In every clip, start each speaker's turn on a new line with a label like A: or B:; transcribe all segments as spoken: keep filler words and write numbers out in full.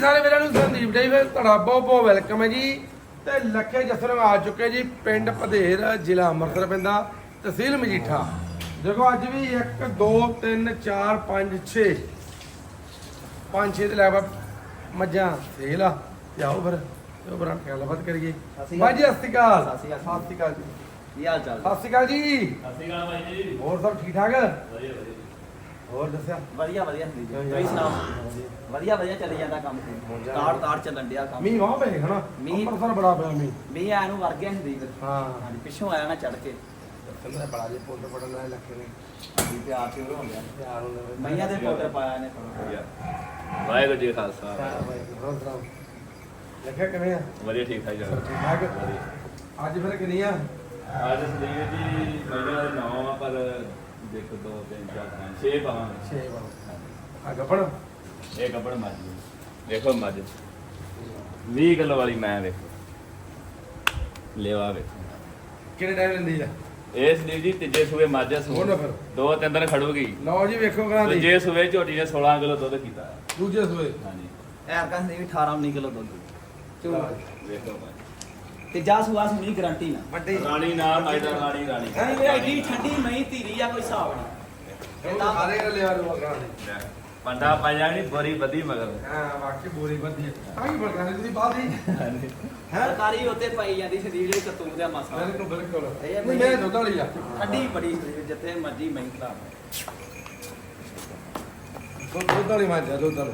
A: ਸਾਰੇ ਵੀਰਾਂ ਨੂੰ ਸੰਦੀਪ ਡੇ ਫਿਰ ਤੁਹਾਡਾ ਬਹੁਤ ਬਹੁਤ ਵੈਲਕਮ ਹੈ ਜੀ। ਤੇ ਲੱਖੇ ਜਸਰ ਆ ਚੁੱਕੇ ਜੀ ਪਿੰਡ ਪਧੇਰ ਜ਼ਿਲ੍ਹਾ ਅੰਮ੍ਰਿਤਸਰ ਪੈਂਦਾ ਤਹਿਸੀਲ ਮਜੀਠਾ। ਦੇਖੋ ਅੱਜ ਵੀ ਇੱਕ ਦੋ ਤਿੰਨ ਚਾਰ ਪੰਜ ਛੇ ਪੰਜ ਛੇ ਤੇ ਲੈ ਬਾ ਮੱਝਾਂ ਸੇਲ ਆ। ਤੇ ਆਓ ਫਿਰ ਉਹ ਬਰਾਂ ਗੱਲਬਾਤ ਕਰੀਏ। ਬਾਈ ਜੀ ਸਤਿ ਸ਼੍ਰੀ ਅਕਾਲ।
B: ਸਤਿ ਸ਼੍ਰੀ ਅਕਾਲ ਜੀ। ਕੀ ਹਾਲ ਚਾਲ?
A: ਸਤਿ ਸ਼੍ਰੀ ਅਕਾਲ ਜੀ।
C: ਸਤਿ ਸ਼੍ਰੀ ਅਕਾਲ ਬਾਈ ਜੀ।
A: ਹੋਰ ਸਭ ਠੀਕ ਠਾਕ?
C: ਵਧੀਆ ਵਧੀਆ।
A: ਹੋਰ ਦੱਸਿਆ?
B: ਵਧੀਆ ਵਧੀਆ ਜੀ। ਤੁਸੀਂ ਸੁਣਾਓ? ਵਧੀਆ ਵਧੀਆ ਚੱਲੀ ਜਾਂਦਾ ਕੰਮ। ਤਾੜ ਤਾੜ ਚੱਲਣ ਡਿਆ ਕੰਮ।
A: ਮੀਂਹ ਵਾਹ ਪਏ ਹਨਾ?
B: ਮੀਂਹ-
A: ਅੰਮ੍ਰਿਤਸਰ ਬੜਾ ਪਿਆ ਮੀਂਹ।
B: ਮੀਂਹ ਆਇਆ ਨੂੰ ਵਰ ਗਿਆ ਹੁੰਦੀ ਫਿਰ।
A: ਹਾਂ
B: ਹਾਂਜੀ ਪਿੱਛੋਂ ਆਇਆ ਨਾ ਚੜ ਕੇ।
A: ਕਹਿੰਦਾ ਬੜਾ ਜੇ ਪੁੱਤ ਪੜਨ ਨਾਲ ਲੱਗੇ ਨੇ
B: ਹਾਂਜੀ ਪਿਆਰ ਤੇ ਹੋ ਗਿਆ।
A: ਯਾਰ ਉਹਨੇ
B: ਮਈਆਂ ਦੇ ਪੋਤਰ ਪਾਇਆ ਨੇ ਥੋੜਾ।
C: ਵਾਹਿਗੁਰੂ ਜੀ ਕਾ ਖਾਲਸਾ।
A: ਹੋਰ ਸੁਣਾਓ ਲੱਖਿਆ ਕਿਵੇਂ ਆ?
C: ਵਧੀਆ ਠੀਕ ਠਾਕ ਚੱਲ
A: ਠੀਕ ਠਾਕ?
C: ਵਧੀਆ।
A: ਅੱਜ ਫਿਰ ਕਿੰਨੀ ਆ?
C: ਅੱਜ ਸੰਦੀਪ ਜੀ ਮਹੀਨਾ ਦਾ ਨੌਂ ਆ ਪਰ ਦੇਖੋ ਦੋ ਤਿੰਨ ਚਾਰ ਪੰਜ ਛੇ ਪਾਵਾਂਗੇ।
A: ਛੇ ਬਾਰ ਆ ਗੱਪਣ
C: ਇਹ ਕੱਪੜ ਮੱਝ ਜੀ। ਦੇਖੋ ਮੱਝ ਵੀਹ ਕਿਲੋ ਵਾਲੀ ਮੈਂ ਵੇਖੋ ਲੈਵਾ ਵੇਖੋ।
A: ਕਿਹੜੇ ਟਾਈਮ ਲੈਂਦੀ ਆ?
C: ਇਹ ਸੰਦੀਪ ਜੀ ਤੀਜੇ ਸੂਏ ਮੱਝ ਆ
A: ਹੋਰ ਨਾ ਫਿਰ।
C: ਦੋ ਤਿੰਨ ਦਿਨ ਖੜੂਗੀ।
A: ਲਓ ਜੀ ਵੇਖੋ ਕਰਾਂ ਦੀ
C: ਤੀਜੇ ਸੂਏ ਝੋਟੀ ਨੇ ਸੋਲਾਂ ਕਿਲੋ ਦੁੱਧ ਕੀਤਾ।
A: ਦੂਜੇ ਸੂਏ
C: ਹਾਂਜੀ
B: ਐਰ ਕਹਿੰਦੇ ਵੀ ਅਠਾਰਾਂ ਉੱਨੀ ਕਿਲੋ ਦੁੱਧ।
C: ਵੇਖੋ ਮੱਝ
B: ਤੇ ਜਾ ਸੁਆ ਸੁਣੀ ਗਾਰੰਟੀ ਨਾ।
A: ਵੱਡੀ
C: ਰਾਣੀ ਨਾ ਮੱਝ ਦਾ ਰਾਣੀ ਰਾਣੀ
B: ਨਹੀਂ ਇਹ ਐਡੀ ਠੰਡੀ ਮਈ ਧੀਰੀ ਆ ਕੋਈ ਹਿਸਾਬ ਨਹੀਂ।
A: ਇਹ ਤਾਂ ਸਾਰੇ ਕਰ ਲਿਆ ਰੋ ਕਰਾਂ ਦੀ
C: ਪੰਡਾ ਪਾ ਜਾਣੀ ਬੋਰੀ ਬੱਦੀ ਮਗਰ।
A: ਹਾਂ ਵਾਕਈ ਬੋਰੀ ਵੱਧੀ ਆ ਵੀ ਬੜਕਾ ਦੀ ਬਾਤ ਹੀ
C: ਹਾਂਜੀ
A: ਹੈ।
B: ਸਰਕਾਰੀ ਉੱਤੇ ਪਾਈ ਜਾਂਦੀ ਸਰੀਰ ਦੇ ਕਤੂਰ ਦਾ ਮਾਸਾ।
A: ਬਿਲਕੁਲ ਬਿਲਕੁਲ
B: ਇਹ
A: ਨਹੀਂ ਮੈਂ ਦੁੱਧ ਵਾਲੀ ਆ
B: ਠੰਡੀ ਬੜੀ ਸਰੀਰ ਜਿੱਥੇ ਮਰਜੀ ਮਈ ਖਰਾਬ।
A: ਦੁੱਧ ਦੁੱਧ ਵਾਲੀ ਮਾਂ ਜਾ ਦੁੱਧ ਵਾਲੀ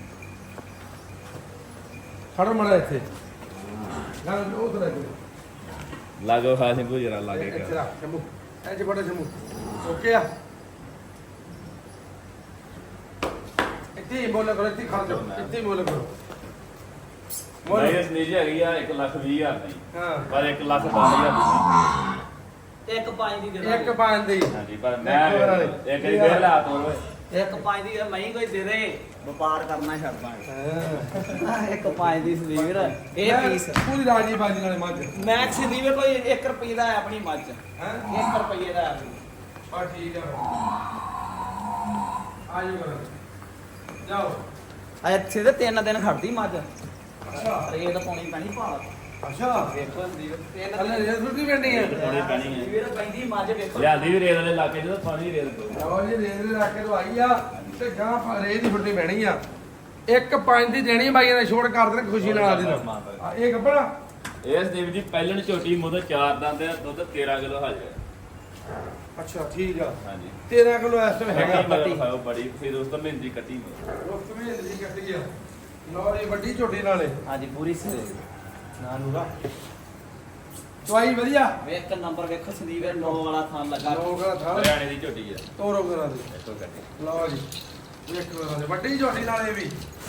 A: ਖੜ ਮੜਾ ਇੱਥੇ ਨਾ ਉਹ ਤਰ੍ਹਾਂ
C: ਲਾਗੋ ਖਾਸ ਨੂੰ ਜਰਾ ਲਾਗੇ
A: ਇੱਥੇ
C: ਕਰ
A: ਰੱਖ ਸ਼ਮੂ ਐਂ ਚ ਬੜਾ ਸ਼ਮੂ ਓਕੇ ਆ ਇੱਥੇ ਹੀ ਬੋਲ ਕਰੋ ਇੱਥੇ ਖੜ ਜਾਓ ਇੱਥੇ ਹੀ ਬੋਲ ਕਰੋ
C: ਮੈਂ ਇਸ ਨੀਜੇ ਹੈਗੀ ਆ ਇੱਕ ਲੱਖ ਵੀਹ ਹਜ਼ਾਰ ਦੀ
A: ਹਾਂ
C: ਪਰ ਇੱਕ ਲੱਖ ਦਸ ਹਜ਼ਾਰ ਦੀ
B: ਇੱਕ ਪੰਜ ਦੀ ਦੇ
A: ਇੱਕ ਪੰਜ ਦੀ
C: ਹਾਂਜੀ ਪਰ ਮੈਂ ਇੱਕ ਹੀ ਫੇਰ ਲਾ ਤੋਰ ਓਏ
B: ਇੱਕ ਪੰਜ ਦੀ ਮਈ ਕੋਈ ਦੇ ਦੇ ਵਪਾਰ ਕਰਨਾ ਛੱਡ ਦਾਂਗੇ।
A: ਹਾਂ
B: ਇੱਕ ਪੰਜ ਦੀ ਸਲੀਵਰ ਇਹ ਪੀਸ
A: ਪੂਰੀ ਰਾਜੀ ਬਾਜੀ ਨਾਲ ਮੱਝ
B: ਮੈਕਸ ਸਲੀਵਰ ਕੋਈ ਇੱਕ ਰੁਪਏ ਦਾ ਹੈ ਆਪਣੀ ਮੱਝ।
A: ਹੈ
B: ਇੱਕ ਰੁਪਏ ਦਾ ਹੈ।
A: ਆ ਠੀਕ ਆ ਆਜੋ ਕਰੋ ਜਾਓ
B: ਇੱਥੇ ਤੇ ਤਿੰਨ ਦਿਨ ਖੜਦੀ ਮੱਝ।
A: ਅੱਛਾ
B: ਰੇਤ ਪਾਉਣੀ ਪੈਣੀ ਭਾਲ।
A: ਅੱਛਾ
B: ਵੇਖੋ ਸਲੀਵਰ ਤਿੰਨ
A: ਹਲੇ ਰੇਸ ਸੁੱਟੀ ਪੈਣੀ ਹੈ
C: ਥੋੜੀ ਪੈਣੀ ਹੈ
B: ਸਲੀਵਰ ਪੈਂਦੀ ਮੱਝ ਵੇਖੋ।
C: ਲਿਆਂਦੀ ਵੀ ਰੇਤ ਵਾਲੇ ਇਲਾਕੇ ਚ ਤਾਂ ਪਾਣੀ ਰੇਤ ਤੋਂ
A: ਲਓ ਜੀ ਰੇਸ ਦੇ ਰੱਖ ਕੇ ਦਵਾਈ ਆ ਤੇ ਗਾਂ ਰੇਸ ਦੀ ਫੁੱਟੀ ਪੈਣੀ ਆ ਇੱਕ ਪੰਜ ਦੀ ਦੇਣੀ ਬਾਈਆਂ ਨੇ ਛੋੜ ਕਰ ਦੇਣ ਖੁਸ਼ੀ ਨਾਲ ਆਦੀ ਨਾਲ ਆ, ਇਹ ਗੱਬੜਾ
C: ਇਸ ਦੇਵ ਜੀ ਪਹਿਲਣ ਝੋਟੀ ਮੁੱਦ ਚਾਰ ਦੰਦ ਆ ਦੁੱਧ ਤੇਰਾਂ ਕਿਲੋ ਹਾਜ਼ਰ
A: ਅੱਛਾ ਠੀਕ ਆ
C: ਹਾਂਜੀ
A: ਤੇਰਾਂ ਕਿਲੋ ਇਸ ਟਾਈਮ ਹੈਗਾ
C: ਹੈਗਾ ਮਗਰ ਖਾਓ ਬੜੀ ਫਿਰ ਉਸ ਤੋਂ ਮਹਿੰਦੀ ਕੱਟੀ
A: ਰੁੱਖ ਵੀ ਜੀ ਕੱਟ ਗਿਆ ਲਓ ਜੀ ਵੱਡੀ ਝੋਟੀ ਨਾਲੇ
B: ਹਾਂਜੀ ਪੂਰੀ ਸਲੀਵਰ।
A: ਨਾ ਨੂਰਾ ਦਵਾਈ ਵਧੀਆ
B: ਵੇਖ ਕੇ ਨੰਬਰ ਵੇਖੋ ਸਲੀਵਰ ਨੌ ਵਾਲਾ ਥਾਂ ਲੱਗਾ।
A: ਲੋਕ ਥਾਂ
C: ਹਰਿਆਣੇ ਦੀ ਝੋਟੀ ਆ
A: ਤੋਰੋ ਕਰਾਂ ਦੇ
C: ਇੱਥੋਂ ਕੱਟੀ
A: ਲਓ ਜੀ ਵੇਖੋ ਕਰਾਂ ਦੇ ਵੱਡੀ ਝੋਟੀ ਨਾਲੇ ਵੀ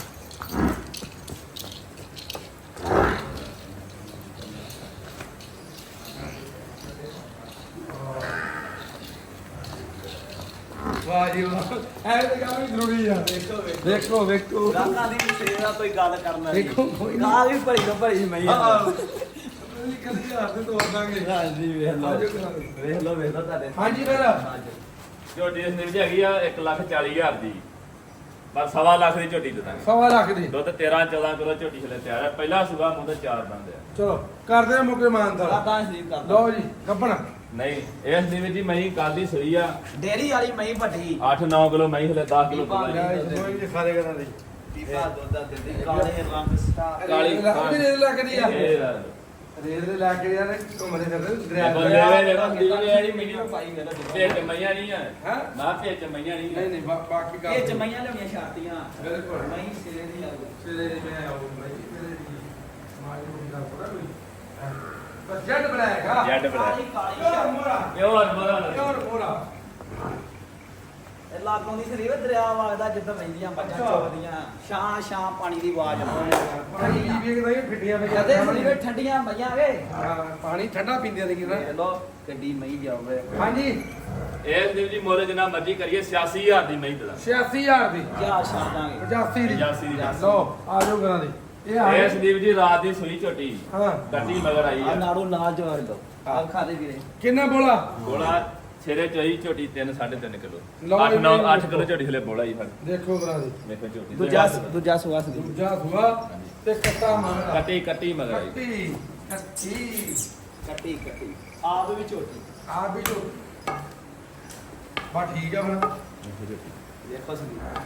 A: ਵਾਹ ਜੀ ਵਾਹ ਐ ਤੇ ਕੰਮ ਵੀ ਜ਼ਰੂਰੀ ਆ
B: ਵੇਖੋ ਵੇਖੋ
A: ਵੇਖੋ ਵੇਖੋ
B: ਗਾਲਾਂ ਦੀ ਸੇਵਾ ਦਾ ਕੋਈ ਗੱਲ ਕਰਨਾ ਨਹੀਂ।
A: ਵੇਖੋ ਕੋਈ ਨਾ
B: ਗਾਲ ਵੀ ਭਰੀ ਤੋਂ ਭਰੀ ਮਈ ਆ।
A: ਹਾਂ ਅਸੀਂ ਕਦੀ ਹੱਥ ਤੇ ਤੋੜ ਦਾਂਗੇ
B: ਹਾਂਜੀ ਵੇਖ ਲਓ
A: ਆਜੋ ਕਰਾਂ ਦੇ
B: ਵੇਖ ਲਓ ਵੇਖ ਲਓ ਤੁਹਾਡੇ
A: ਹਾਂਜੀ ਫਿਰ
C: ਝੋਟੀ ਇਸ ਦਿਨ ਹੈਗੀ ਆ ਇੱਕ ਲੱਖ ਚਾਲੀ ਹਜ਼ਾਰ ਦੀ ਬਸ ਸਵਾ ਲੱਖ ਦੀ ਝੋਟੀ ਦੇ ਦਾਂਗੇ
A: ਸਵਾ ਲੱਖ ਦੀ
C: ਦੁੱਧ ਤੇਰਾਂ ਚੌਦਾਂ ਕਿਲੋ ਝੋਟੀ ਛਲੇ ਤਿਆਰ ਹੈ ਪਹਿਲਾ ਸੂਆ ਮੁੱਦ ਚਾਰ ਦੰਦ ਆ
A: ਚਲੋ ਕਰਦੇ ਆ ਮੁੱਕੇ ਮਾਨਦਾਰ
B: ਕਰਦਾ ਸਲੀਵ ਕਰਦਾ।
A: ਲਓ ਜੀ ਕੱਪਣਾ
C: ਨਹੀਂ ਇਸ ਦੇ ਵਿੱਚ ਜੀ ਮਹੀਂ ਕੱਲ ਦੀ ਸੂਈ ਆ
B: ਡੇਰੀ ਵਾਲੀ ਮਈ ਵੱਡੀ
C: ਅੱਠ ਨੌ ਕਿਲੋ ਮਹੀਂ ਹਲੇ ਦਸ ਕਿਲੋ
B: ਪੀਪਾ
C: ਦੁੱਧ ਆ।
A: ਕੋਈ ਨਹੀਂ ਸਾਰੇ ਕਰਾਂ ਦੀ
B: ਪੀਪਾ ਦੁੱਧ ਦਾ ਦਿੰਦੀ ਕਾਲੇ ਰੰਗ ਸਟਾਰ।
C: ਕਾਲੀ
A: ਵੀ ਰੇਲ ਲੱਗਦੀ ਆ
C: ਇਹ
A: ਰੇਲ ਦੇ ਲਾ ਕੇ ਯਾਰ ਘੁੰਮਦੇ ਫਿਰਦੇ
C: ਦੇਖੋ
A: ਦਰਿਆ
C: ਲੈ ਦੇਖੋ ਦੀਵੀ ਜਿਹੜੀ ਮੀਡੀਅਮ
B: ਪਾਈ ਮੇਰਾ
C: ਭੇਜ ਮਈਆਂ ਨਹੀਂ ਆ
A: ਹਾਂ
C: ਨਾ ਭੇਜ ਮਈਆਂ ਨਹੀਂ
A: ਨਹੀਂ
C: ਆ
A: ਨਹੀਂ ਬਾ- ਬਾਕੀ ਕੰਮ
B: ਇਹ ਜਮਈਆਂ ਲਿਆਉਣੀਆਂ ਛਾਤੀਆਂ
A: ਬਿਲਕੁਲ
B: ਮਈ ਸਿਰੇ ਦੀ ਲੱਗੂ।
A: ਸਿਰੇ ਦੇ ਮੈਂ ਆਉਂ ਭਾਈ ਸਿਰੇ ਦੀ ਮਾਈ ਨੂੰ ਦਾ ਪੜਾ ਕੋਈ ਬਸ ਜੱਟ ਬਣਾਏਗਾ
C: ਜੱਟ ਬੜਾ
B: ਕਾਲੀ ਕਾਲੀ
A: ਯਾਰ
B: ਛਾਤੀ।
A: ਮੋਰਾ
C: ਪਿਓਰ ਮੋਰਾ
A: ਯਾਰ ਮੋਰਾ
B: ਇਹ ਲਾਗੋਂ ਦੀ ਸਰੀਰ ਦਰਿਆ ਵਗਦਾ ਜਿੱਦਾਂ ਵਹਿੰਦੀਆਂ ਮੱਝਾਂ
A: ਅੱਛਾ।
B: ਚੋਦੀਆਂ ਛਾਂ ਛਾਂ ਪਾਣੀ ਦੀ ਆਵਾਜ਼ ਆਉਂਦੀ।
A: ਪਾਣੀ ਜੀ ਵੇਖਦਾ ਇਹ ਫਿੱਟੀਆਂ ਵਿੱਚ
B: ਜਦੇ ਸਰੀਰ ਠੰਡੀਆਂ ਮਈਆਂ ਵੇ
A: ਹਾਂ ਪਾਣੀ ਠੰਡਾ ਪੀਂਦੇ ਨੇ ਕਿਨਾ
B: ਵੇਖ ਲੋ ਗੱਡੀ ਮਈ ਜਾਵੇ।
A: ਹਾਂਜੀ
C: ਇਸ ਦੇ ਜੀ ਮੁੱਲ ਜਿੰਨਾ ਮਰਜ਼ੀ ਕਰੀਏ ਛਿਆਸੀ ਹਜ਼ਾਰ ਦੀ ਮਹੀਂ ਦਾ
A: ਛਿਆਸੀ ਹਜ਼ਾਰ ਦੀ
B: ਜਾ ਛਾੜਾਂਗੇ
A: ਪਚਾਸੀ ਦੀ
C: ਪਚਾਸੀ ਦੀ।
A: ਲਓ ਆ ਜਾਓ ਕਰਾਂ ਦੀ ਇਹ ਆ
C: ਇਸ ਦੀਪ ਜੀ ਰਾਤ ਦੀ ਸੂਈ ਝੋਟੀ
A: ਹਾਂ
C: ਗੱਡੀ ਮਗਰ ਆਈ
B: ਆ
C: ਆ
B: ਨਾੜੂ ਨਾਲ ਜਵਾਰ ਦੋ ਆ ਖਾ ਦੇ ਵੀਰੇ
A: ਕਿੰਨਾ ਬੋਲਾ
C: ਗੋਲਾ ਛੇਰੇ ਚੋਈ ਝੋਟੀ ਤਿੰਨ ਸਾਢੇ ਤਿੰਨ ਕਿਲੋ
A: ਲਓ
C: ਅੱਠ
A: ਜੀ,
C: ਨੌ
A: ਵੇਖੋ।
C: ਅੱਠ ਕਿਲੋ ਝੋਟੀ ਹਲੇ ਬੋਲਾ ਹੀ ਫੜ
A: ਦੇਖੋ ਕਰਾ ਦੇ
C: ਵੇਖੋ ਝੋਟੀ
B: ਦੂਜਾ ਦੂਜਾ ਸੁਆ ਸੀ
A: ਦੂਜਾ ਸੁਆ ਤੇ ਕੱਟਾ ਮੰਗਦਾ
C: ਕੱਟੀ ਕੱਟੀ ਮਗਰ ਆਈ
A: ਕੱਟੀ ਕੱਟੀ
B: ਕੱਟੀ ਕੱਟੀ ਆਪ ਵੀ ਝੋਟੀ
A: ਆ ਵੀ ਜੋ ਬਾ ਠੀਕ ਆ ਹੁਣ
C: ਵੇਖੋ ਝੋਟੀ
B: ਦੇਖੋ ਸੰਦੀਪ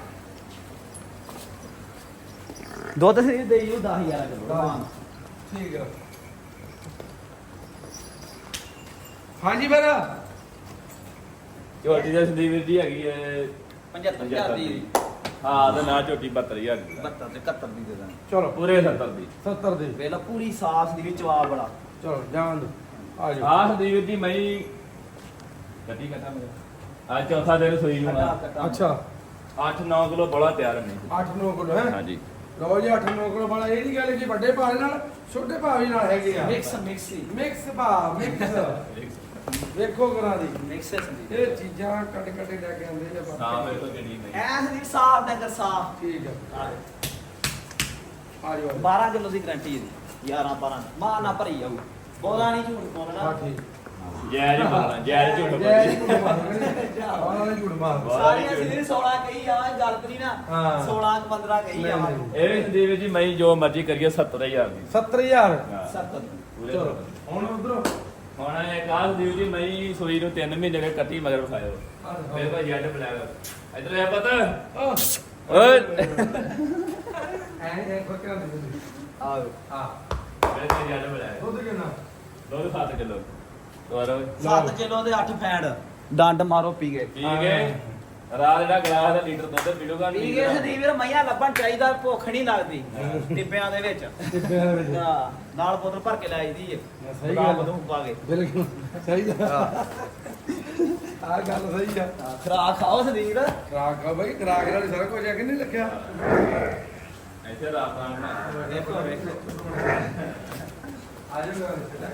B: ਦੁੱਧ ਸੀ ਦੇਈ ਉਹ ਦਸ ਹਜ਼ਾਰ ਕਿਲੋ
A: ਠੀਕ ਆ ਹਾਂਜੀ ਫਿਰ
C: ਝੋਟੀ ਦੇ ਸੰਦੀਪ ਵੀਰ ਜੀ ਹੈਗੀ ਹੈ
B: ਪਝੱਤਰ ਹਜ਼ਾਰ ਦੀ
C: ਹਾਂ ਤੇ ਨਾ ਝੋਟੀ ਬਹੱਤਰ ਹਜ਼ਾਰ ਦੀ
B: ਬਹੱਤਰ ਤੇ ਇਕਹੱਤਰ ਦੀ ਦੇ ਦਾਂ
A: ਚਲੋ
C: ਪੂਰੇ ਸੱਤਰ ਦੀ
A: ਸੱਤਰ ਦੇ
B: ਵੇਲਾ ਪੂਰੀ ਸਾਫ ਦੀ ਵਿੱਚ ਆ ਬੜਾ
A: ਚਲੋ ਜਾਣ ਦੋ ਆ ਜਾਓ
C: ਆਹ ਸੰਦੀਪ ਵੀਰ ਜੀ ਮੈਂ ਕੱਟੀ ਕੱਟਾ ਮੇਰਾ ਅੱਜ ਚੌਥਾ ਦਿਨ ਸੋਈ ਨੂੰ
B: ਕੱਟਾ ਕੱਟਾ
A: ਅੱਛਾ
C: ਅੱਠ ਨੌ ਕਿਲੋ ਬੋਲਾ ਤਿਆਰ ਹੈ ਨਹੀਂ
A: ਅੱਠ ਨੌ ਕਿਲੋ ਹੈ
C: ਹਾਂਜੀ
A: ਲਓ ਜੀ ਅੱਠ ਨੌ ਕਿਲੋ ਵਾਲਾ ਇਹ ਨਹੀਂ ਗੱਲ ਕਿ ਵੱਡੇ ਭਾਅ ਨਾਲ ਛੋਟੇ ਭਾਅ ਵੀ ਨਾਲ ਹੈਗੇ ਆ
B: ਮਿਕਸ ਮਿਕਸ ਹੀ
A: ਮਿਕਸ ਭਾਅ ਮਿਕਸ ਵੇਖੋ ਕਰਾ ਦੀ
B: ਮਿਕਸ ਹੈ ਸੰਦੀਪ
A: ਇਹ ਚੀਜ਼ਾਂ ਕੱਟ ਕੱਟ ਲੈ ਕੇ ਆਉਂਦੇ ਨੇ
C: ਸਾਹ
A: ਬਾਬਾ
C: ਵੇਖੋ ਕਿੰਨੀ ਨਹੀਂ
B: ਐ ਸੰਦੀਪ ਸਾਫ ਡੰਗਰ ਸਾਫ
A: ਠੀਕ ਆ ਆ ਜਾਓ
B: ਬਾਰਾਂ ਕਿਲੋ ਦੀ ਗਰੰਟੀ ਇਹਦੀ ਗਿਆਰਾਂ ਬਾਰਾਂ ਮਾਂ ਨਾ ਭਰੀ ਜਾਊ ਬੋਲਾ ਨਹੀਂ ਝੂਠ
A: ਹਾਂ
B: ਬੋਲਣਾ
A: ਠੀਕ
C: ਜੈ ਜੀ ਬੋਲਣਾ ਜੈ ਜੀ ਝੂਠ
A: ਜੈ
C: ਬੋਲੀ
A: ਝੂਠ ਮਾਰਦੇ ਆਹ ਨੇ ਝੂਠ ਮਾਰ
C: ਬਹੁਤ
B: ਸਾਰੀਆਂ ਸੰਦੀਪ ਸੋਲਾਂ ਕਹੀ ਜਾਵਾਂ ਗੱਲ ਤੇ ਨਹੀਂ ਨਾ
A: ਹਾਂ।
B: ਸੋਲਾਂ ਪੰਦਰਾਂ ਕਹੀ
A: ਨਹੀਂ,
B: ਜਾਵਾਂ
A: ਨਹੀਂ।
C: ਇਹ ਵੀ ਸੰਦੀਪ ਜੀ ਮੈਂ ਜੋ ਮਰਜ਼ੀ ਕਰੀਏ ਸੱਤਰ ਹਜ਼ਾਰ ਦੀ
A: ਸੱਤਰ ਹਜ਼ਾਰ
C: ਹਾਂ।
B: ਸੱਤ
C: ਪੂਰੇ
A: ਚਲੋ
C: ਸੱਤਰ।
A: ਹੁਣ ਉਧਰੋਂ
C: ਹੁਣ ਇਹ ਕਾਹ ਸੰਦੀਪ ਜੀ ਮੈਂ ਸੋਈ ਨੂੰ ਤਿੰਨ ਮਹੀਨੇ ਦੇ ਕੱਟੀ ਮਗਰ ਵਿਖਾਇਓ ਮੇਰੇ ਕੋਲ ਜੈਡ ਬਲੈਕ ਇਧਰ ਆ ਪਤਾ ਓਏ
A: ਐ ਐ ਫਰਕਾਂ ਦੇ
B: ਆਓ
A: ਹਾਂ
C: ਮੇਰੇ ਕੋਲ ਜੈਡ ਬਲੈਕ
A: ਦੁੱਧ ਕਿੰਨਾ
C: ਦੋ ਸੱਤ ਕਿਲੋ ਹੋਰ
B: ਸੱਤ ਕਿਲੋ ਦੇ ਅੱਠ ਫੈਂਡ ਡੰਡ ਮਾਰੋ ਪੀ ਗਏ
C: ਠੀਕ ਹੈ ਰਾਤ ਜਿਹੜਾ ਗਲਾਸ ਦਾ ਲੀਟਰ ਦੁੱਧ ਪੀੜੂਗਾ
B: ਪੀ ਗਏ ਸੰਦੀਪ ਵੀਰ ਮਈਆਂ ਲੱਭਣ ਚਾਹੀਦਾ ਭੁੱਖ ਨਹੀਂ ਲੱਗਦੀ ਟਿੱਬਿਆਂ ਦੇ ਵਿੱਚ
A: ਟਿੱਬਿਆਂ ਦੇ ਵਿੱਚ
B: ਹਾਂ, ਨਾਲ ਬੋਤਲ ਭਰ ਕੇ ਲੈ ਆਈਦੀ ਏ
A: ਸਹੀ ਗੱਲ ਆ।
B: ਬਦੂ ਪਾ ਕੇ
A: ਬਿਲਕੁਲ ਸਹੀ ਆ ਆ ਗੱਲ ਸਹੀ ਆ
B: ਹਾਂ, ਖੁਰਾਕ ਖਾਓ ਸੰਦੀਪ
A: ਖਰਾਕ ਆ ਬਈ ਖਰਾਕ ਨਾਲ ਹੀ ਸਾਰਾ ਕੁਝ ਆ ਕਿ ਨਹੀਂ ਲਿਖਿਆ
C: ਇੱਥੇ ਰਾਤ ਦਾ ਬਣਾ
B: ਦੇਖੋ ਵੇਖੋ
A: ਆ ਜਾਓ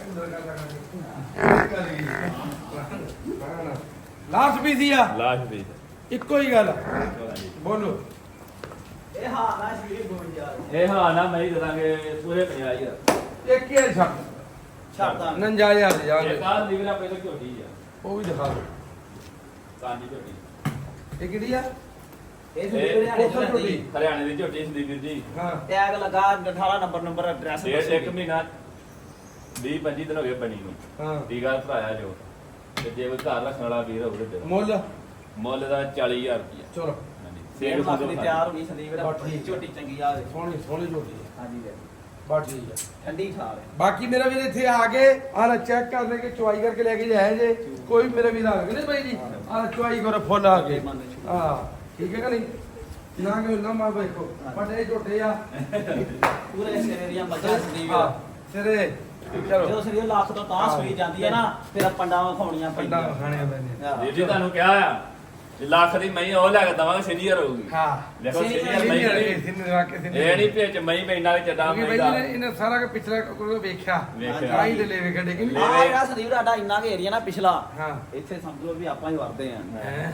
A: ਲਾਸਟ ਪੀਸ ਹੀ ਆ
C: ਲਾਸ਼ ਦੇ
A: ਇੱਕੋ ਹੀ ਗੱਲ ਬੋਲੋ
B: ਇਹ ਹਾਂ ਨਾ ਸ਼ੀਰ ਗੋਲ ਯਾਰ
C: ਇਹ ਹਾਂ ਨਾ ਮੈਂ ਹੀ ਦੇ ਦਾਂਗੇ ਪੂਰੇ ਪੰਜਾਹ ਹਜ਼ਾਰ
A: ਇੱਕ ਹੀ ਛੱਡ
B: ਛੱਡਦਾ
A: ਉਣੰਜਾ ਹਜ਼ਾਰ ਦੇ
C: ਇਹ
A: ਜਾਣਗੇ
C: ਕਾਹ ਲੀਵਰਾ ਪਹਿਲਾਂ ਝੋਟੀ ਆ
A: ਉਹ ਵੀ ਦਿਖਾ ਦਿਓ
C: ਕਾਂਜੀ ਝੋਟੀ
A: ਇਹ ਕਿਹੜੀ ਆ
B: ਇਹ ਸੰਦੀਪ ਹਰਿਆਣੇ
A: ਉੱਥੋਂ
B: ਚ
A: ਝੋਟੀ।
B: ਰਹਿੰਦੀ
C: ਹਰਿਆਣੇ ਦੀ ਝੋਟੀ ਸੰਦੀਪ ਵੀਰ ਜੀ
A: ਹਾਂ
B: ਟੈਗ ਲਗਾ ਅਠਾਰਾਂ ਨੰਬਰ ਨੰਬਰ ਐਡਰੈਸ
C: ਡੇਢ ਇੱਕ ਮਹੀਨਾ ਵੀਹ ਪੰਜੀ ਦਿਨ ਹੋ ਗਏ ਬਣੀ ਨੂੰ
A: ਹਾਂ
C: ਟੀਕਾ ਭਰਾਇਆ ਜੋ ਤੇ ਜੇ ਕੋਈ ਘਰ ਰੱਖਣ ਵਾਲਾ ਵੀਰ ਹੋਵੇ ਤੇ
A: ਮੁੱਲ
C: ਮੁੱਲ ਦਾ ਚਾਲੀ ਹਜ਼ਾਰ ਰੁਪਇਆ
A: ਚਲੋ
C: ਹਾਂਜੀ
B: ਸੇਲ
C: ਸੇਲ
B: ਲੱਖ
C: ਸੰਦੋ
B: ਦੀ ਤਿਆਰ ਹੋ ਗਈ ਸੰਦੀਪ ਵੀਰ
A: ਬਸ ਠੀਕ।
B: ਝੋਟੀ ਚੰਗੀ ਆ
A: ਸੋਹਣੀ ਸੋਹਣੀ ਝੋਟੀ ਆ
B: ਹਾਂਜੀ ਵੀਰ
A: ਬਸ ਠੀਕ ਆ
B: ਠੰਡੀ ਖਾਲ ਹੈ
A: ਬਾਕੀ ਮੇਰਾ ਵੀਰ ਇੱਥੇ ਆ ਕੇ ਆਹ ਚੈੱਕ ਕਰ ਲੈ ਕੇ ਚੁਆਈ ਕਰਕੇ ਲੈ ਕੇ ਜਾਇਆ ਜੇ ਕੋਈ ਮੇਰਾ ਵੀਰ ਆ ਕੇ ਨਹੀਂ ਬਾਈ ਜੀ ਆਹ ਚੁਆਈ ਕਰੋ ਫੁੱਲ ਆ ਕੇ ਹਾਂ ਠੀਕ ਹੈ ਕਿ ਨਹੀਂ ਨਾ ਕਿ ਨਾ ਮਾ ਵੇਖੋ ਵੱਡੇ ਝੋਟੇ ਆ
B: ਪੂਰੇ ਸਿਰੇ ਦੀਆਂ ਮੱਝਾਂ ਸੰਦੀਪ
A: ਹਾਂ
B: ਵੀਰ
A: ਸਿਰੇ ਚਲੋ
B: ਜਦੋਂ ਸਰੀਰ ਲੱਖ ਤੋਂ ਤਾਂ ਸੂਈ ਜਾਂਦੀ ਹੈ ਨਾ ਫਿਰ ਪੰਡਾਂ ਵਿਖਾਉਣੀਆਂ
A: ਪੰਡਾ
B: ਪੈਂਦੀਆਂ
A: ਖਾਣੇ ਪੈਂਦੇ
B: ਹਾਂ।
C: ਵੀਰ ਜੀ ਤੁਹਾਨੂੰ ਕਿਹਾ ਆ ਜੇ ਲੱਖ ਦੀ ਮਹੀਂ ਉਹ ਲੈ ਕੇ ਦਵਾਂਗੇ ਸੀਨੀਅਰ ਹੋਊਗੀ
A: ਹਾਂ
C: ਦੇਖੋ
B: Senior
C: ਸੀਨੀਅਰ
B: ਨਹੀਂ
C: ਮਹੀਂ
A: ਇਹ ਸਿੰਨ ਰੱਖ ਕੇ ਸਿੰਨ
C: ਇਹ ਨਹੀਂ ਭੇਜ ਮਹੀਂ ਪੈਣਾ ਵਿੱਚ ਚੱਡਾ
A: ਕਿਉਂਕਿ
C: ਮਹੀਂ
A: ਬਾਈ
C: ਦਾ
A: ਜੀ ਨੇ ਇਹਨੇ ਸਾਰਾ ਕੁ ਪਿਛਲਾ ਕੋਈ ਵੇਖਿਆ
C: ਵੇਖਿਆ।
A: ਆਈ ਦੇ ਲੈ ਵੇਖੇ ਕਿ ਨਹੀਂ
B: ਆਹ ਜਿਹੜਾ ਸੰਦੀਪ ਸਾਡਾ ਇੰਨਾ ਕੁ ਏਰੀਆ ਨਾ ਪਿਛਲਾ
A: ਹਾਂ
B: ਇੱਥੇ ਸਮਝ ਲਓ ਵੀ ਆਪਾਂ ਹੀ ਵਰਦੇ ਆ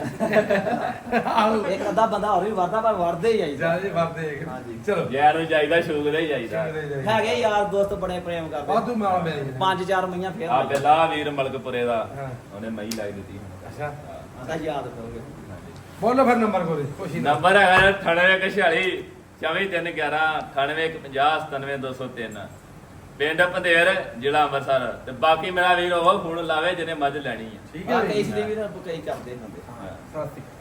A: ਆਹੋ
B: ਇੱਕ ਅੱਧਾ ਬੰਦਾ ਹੋਰ ਵੀ ਵਰਦਾ ਪਰ ਵਰਦੇ ਹੀ ਆਈ
A: ਜਿਆਦਾ ਵਰਦੇ ਹੈਗੇ।
B: ਹਾਂਜੀ।
A: ਚਲੋ
C: ਯਾਰ ਨੂੰ ਜਾਈਦਾ ਸ਼ੌਕ ਦਾ ਹੀ ਜਾਈਦਾ
B: ਹੈਗੇ ਯਾਰ ਦੋਸਤ ਬੜੇ ਪ੍ਰੇਮ ਕਰਦੇ
A: ਵਾਧੂ ਮਾਲ ਮੇਰੇ ਜੀ।
B: ਪੰਜ ਚਾਰ ਮਈਆਂ ਫੇਰ
C: ਆ ਬੇਲਾ ਵੀਰ ਮਲਕਪੁਰੇ ਦਾ
A: ਹਾਂ।
C: ਉਹਨੇ ਮਹੀਂ ਲਾਈ ਦਿੱਤੀ ਹੁਣ
A: ਅੱਛਾ
B: ਆਂਦਾ ਯਾਦ ਕਰੋਗੇ
A: ਬੋਲੋ ਫਿਰ ਨੰਬਰ ਕੋਲੇ ਖੁਸ਼ੀ ਨਾਲ
C: ਨੰਬਰ ਹੈਗਾ ਅਠਾਨਵੇਂ ਇੱਕ ਛਿਆਲੀ ਚੌਵੀ ਤਿੰਨ ਗਿਆਰਾਂ ਅਠਾਨਵੇਂ ਇੱਕ ਪੰਜਾਹ ਸਤਾਨਵੇਂ ਦੋ ਸੌ ਤਿੰਨ ਪਿੰਡ ਪੰਧੇਰ ਜ਼ਿਲ੍ਹਾ ਅੰਮ੍ਰਿਤਸਰ ਤੇ ਬਾਕੀ ਮੇਰਾ ਵੀਰ ਉਹ ਫੋਨ ਲਾਵੇ ਜਿਹਨੇ ਮੱਝ ਲੈਣੀ ਹੈ
A: ਠੀਕ ਹੈ
B: ਆ ਕਈ
A: ਜੀ।
B: ਸੰਦੀਪ ਵੀਰ ਕਈ ਕਰਦੇ ਹੁੰਦੇ
C: ਹਾਂ।
A: ਸਤਿ ਸ਼੍ਰੀ ਅਕਾਲ